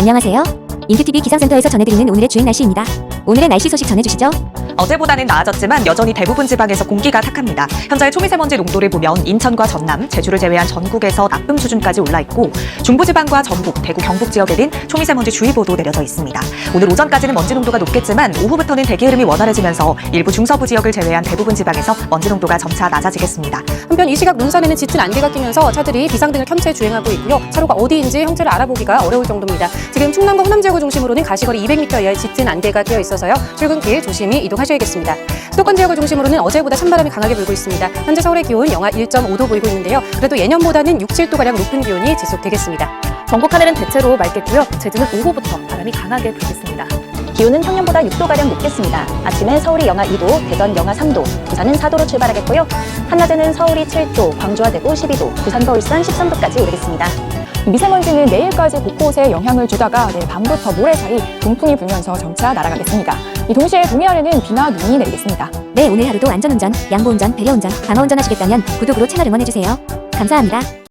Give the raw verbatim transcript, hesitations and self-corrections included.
안녕하세요. 인큐티비 기상센터에서 전해드리는 오늘의 주행 날씨입니다. 오늘의 날씨 소식 전해주시죠. 어제보다는 나아졌지만 여전히 대부분 지방에서 공기가 탁합니다. 현재 초미세먼지 농도를 보면 인천과 전남, 제주를 제외한 전국에서 나쁨 수준까지 올라 있고 중부지방과 전북, 대구, 경북 지역에는 초미세먼지 주의보도 내려져 있습니다. 오늘 오전까지는 먼지 농도가 높겠지만 오후부터는 대기 흐름이 원활해지면서 일부 중서부 지역을 제외한 대부분 지방에서 먼지 농도가 점차 낮아지겠습니다. 한편 이 시각 눈산에는 짙은 안개가 끼면서 차들이 비상등을 켠 채 주행하고 있고요. 차로가 어디인지 형태를 알아보기가 어려울 정도입니다. 지금 충남과 호남 지역을 중심으로는 가시거리 이백 미터 이하의 짙은 안개가 끼어 있어서요. 출근길 조심히 이동하셔야겠습니다. 수도권 지역을 중심으로는 어제보다 찬바람이 강하게 불고 있습니다. 현재 서울의 기온 영하 일 점 오 도 보이고 있는데요. 그래도 예년보다는 육, 칠 도가량 높은 기온이 지속되겠습니다. 전국 하늘은 대체로 맑겠고요. 제주는 오후부터 바람이 강하게 불겠습니다. 기온은 평년보다 육 도가량 높겠습니다. 아침엔 서울이 영하 이 도, 대전 영하 삼 도, 부산은 사 도로 출발하겠고요. 한낮에는 서울이 칠 도, 광주와 대구 십이 도, 부산과 울산 십삼 도까지 오르겠습니다. 미세먼지는 내일까지 곳곳에 영향을 주다가 내일 밤부터 모레 사이 동풍이 불면서 점차 날아가겠습니다. 이 동시에 동해안에는 비나 눈이 내리겠습니다. 네, 오늘 하루도 안전운전, 양보운전, 배려운전, 방어운전 하시겠다면 구독으로 채널 응원해주세요. 감사합니다.